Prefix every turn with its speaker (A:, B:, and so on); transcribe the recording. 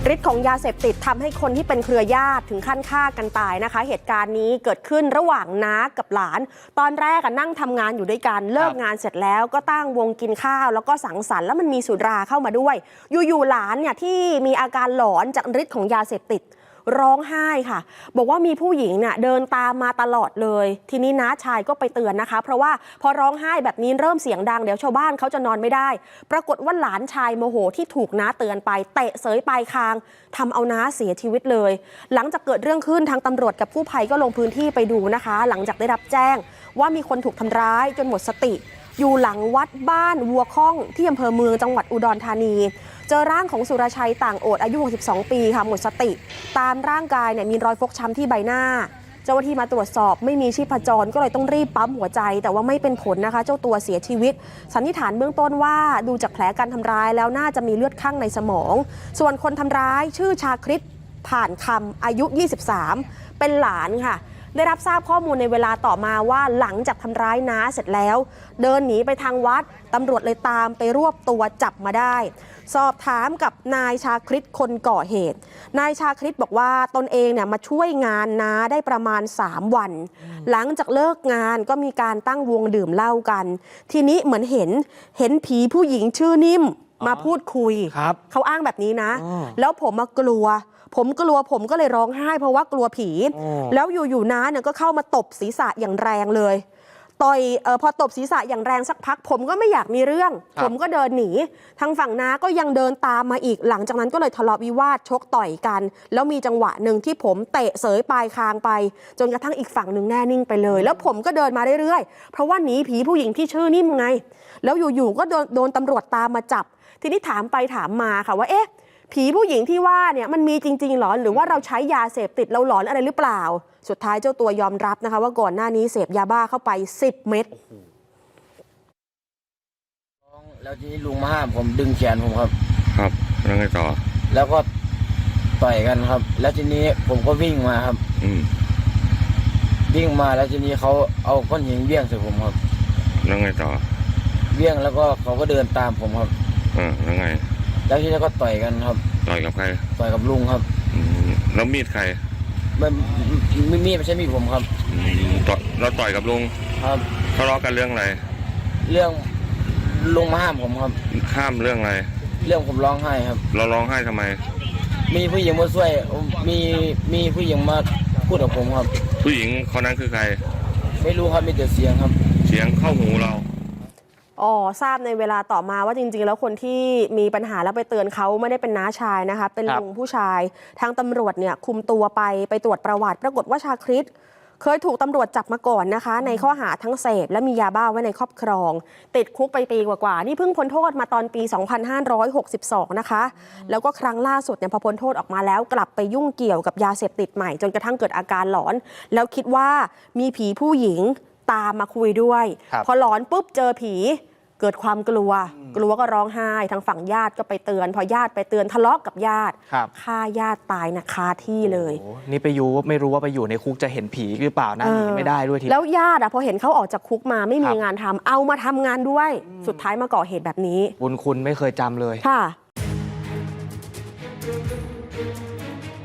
A: ฤทธิ์ของยาเสพติดทำให้คนที่เป็นเครือญาติถึงขั้นฆ่ากันตายนะคะเหตุการณ์นี้เกิดขึ้นระหว่างน้ากับหลานตอนแรกนั่งทำงานอยู่ด้วยกันเลิกงานเสร็จแล้วก็ตั้งวงกินข้าวแล้วก็สังสรรค์แล้วมันมีสุราเข้ามาด้วยอยู่ๆหลานเนี่ยที่มีอาการหลอนจากฤทธิ์ของยาเสพติดร้องไห้ค่ะบอกว่ามีผู้หญิงเนี่ยเดินตามมาตลอดเลยทีนี้น้าชายก็ไปเตือนนะคะเพราะว่าพอร้องไห้แบบนี้เริ่มเสียงดังเดี๋ยวชาวบ้านเขาจะนอนไม่ได้ปรากฏว่าหลานชายโมโหที่ถูกน้าเตือนไปเตะเสยปลายคางทำเอาน้าเสียชีวิตเลยหลังจากเกิดเรื่องขึ้นทางตำรวจกับกู้ภัยก็ลงพื้นที่ไปดูนะคะหลังจากได้รับแจ้งว่ามีคนถูกทำร้ายจนหมดสติอยู่หลังวัดบ้านวัวข้องที่อำเภอเมืองจังหวัดอุดรธานีเจอร่างของสุรชัยต่างโอดอายุ62ปีค่ะหมดสติตามร่างกายเนี่ยมีรอยฟกช้ำที่ใบหน้าเจ้าหน้าที่มาตรวจสอบไม่มีชีพจรก็เลยต้องรีบปั๊มหัวใจแต่ว่าไม่เป็นผลนะคะเจ้าตัวเสียชีวิตสันนิษฐานเบื้องต้นว่าดูจากแผลการทำร้ายแล้วน่าจะมีเลือดข้างในสมองส่วนคนทำร้ายชื่อชาคริตผ่านคำอายุ23เป็นหลานค่ะได้รับทราบข้อมูลในเวลาต่อมาว่าหลังจากทำร้ายน้าเสร็จแล้วเดินหนีไปทางวัดตำรวจเลยตามไปรวบตัวจับมาได้สอบถามกับนายชาคริตคนก่อเหตุนายชาคริตบอกว่าตนเองเนี่ยมาช่วยงานน้าได้ประมาณ3วันหลังจากเลิกงานก็มีการตั้งวงดื่มเหล้ากันทีนี้เหมือนเห็นผีผู้หญิงชื่อนิ่มมาพูดคุยเขาอ้างแบบนี้นะแล้วผมกลัวผมก็เลยร้องไห้เพราะว่ากลัวผีแล้วอยู่ๆน้าเนี่ยก็เข้ามาตบศีรษะอย่างแรงเลยต่อยพอตบศีรษะอย่างแรงสักพักผมก็ไม่อยากมีเรื่องผมก็เดินหนีทางฝั่งน้าก็ยังเดินตามมาอีกหลังจากนั้นก็เลยทะเลาะวิวาทชกต่อยกันแล้วมีจังหวะหนึ่งที่ผมเตะเสยปลายคางไปจนกระทั่งอีกฝั่งหนึ่งแน่นิ่งไปเลยแล้วผมก็เดินมาเรื่อยๆเพราะว่าหนีผีผู้หญิงที่ชื่อนิ่มไงแล้วอยู่ๆก็โดนตำรวจตามมาจับทีนี้ถามไปถามมาค่ะว่าเอ๊ะผีผู้หญิงที่ว่าเนี่ยมันมีจริงๆหรอหรือว่าเราใช้ยาเสพติดเราหลอนอะไรหรือเปล่าสุดท้ายเจ้าตัวยอมรับนะคะว่าก่อนหน้านี้เสพยาบ้าเข้าไป10 เม็ด
B: แล้วทีนี้ลุงมาห้ามผมดึงแขนผมครับ
C: แล้วไงต่อ
B: แล้วก็ต่อยกันครับแล้วทีนี้ผมก็วิ่งมาครับวิ่งมาแล้วทีนี้เขาเอาก้อนหินเบี้ยงใส่ผมครับ
C: แล้วไงต่อ
B: เบี้ยงแล้วก็เขาก็เดินตามผมครับ
C: แล้วไง
B: แล้วทีนี้ก็ต่อยกันครับ
C: ต่อยกับใคร
B: ต่อยกับลุงครับ
C: แล้วมีดใคร
B: ไม่มีดไม่ใช่มีดผมครับ
C: เราต่อยกับลุง
B: ครับ
C: ทะเลาะกันเรื่องอะไร
B: เรื่องลุงมาห้ามผมครับ
C: ห้ามเรื่องอะไร
B: เรื่องผมร้องไห้ครับ
C: เราร้องไห้ทำไม
B: มีผู้หญิงมาช่วยมีผู้หญิงมาพูดกับผมครับ
C: ผู้หญิงคนนั้นคือใคร
B: ไม่รู้ครับมีแต่เสียงครับ
C: เสียงเข้าหูเรา
A: ทราบในเวลาต่อมาว่าจริงๆแล้วคนที่มีปัญหาแล้วไปเตือนเขาไม่ได้เป็นน้าชายนะคะเป็นลุงผู้ชายทางตำรวจเนี่ยคุมตัวไปตรวจประวัติปรากฏว่าชาคริตเคยถูกตำรวจจับมาก่อนนะคะในข้อหาทั้งเสพและมียาบ้าไว้ในครอบครองติดคุกไปปีกว่าๆนี่เพิ่งพ้นโทษมาตอนปี2562นะคะแล้วก็ครั้งล่าสุดเนี่ยพอพ้นโทษออกมาแล้วกลับไปยุ่งเกี่ยวกับยาเสพติดใหม่จนกระทั่งเกิดอาการหลอนแล้วคิดว่ามีผีผู้หญิงตามมาคุยด้วยพอหลอนปุ๊บเจอผีเกิดความกลัวก็ร้องไห้ทางฝั่งญาติก็ไปเตือนพอญาติไปเตือนทะเลาะกับญาติฆ่าญาติตายนะคาที่เลย
D: นี่ไม่รู้ว่าไปอยู่ในคุกจะเห็นผีหรือเปล่านะหนีไม่ได้ด้วยที
A: แล้วญาติพอเห็นเขาออกจากคุกมาไม่มีงานทำเอามาทำงานด้วยสุดท้ายมาก่อเหตุแบบนี้
D: บุญคุณไม่เคยจำเลย
A: ค่ะ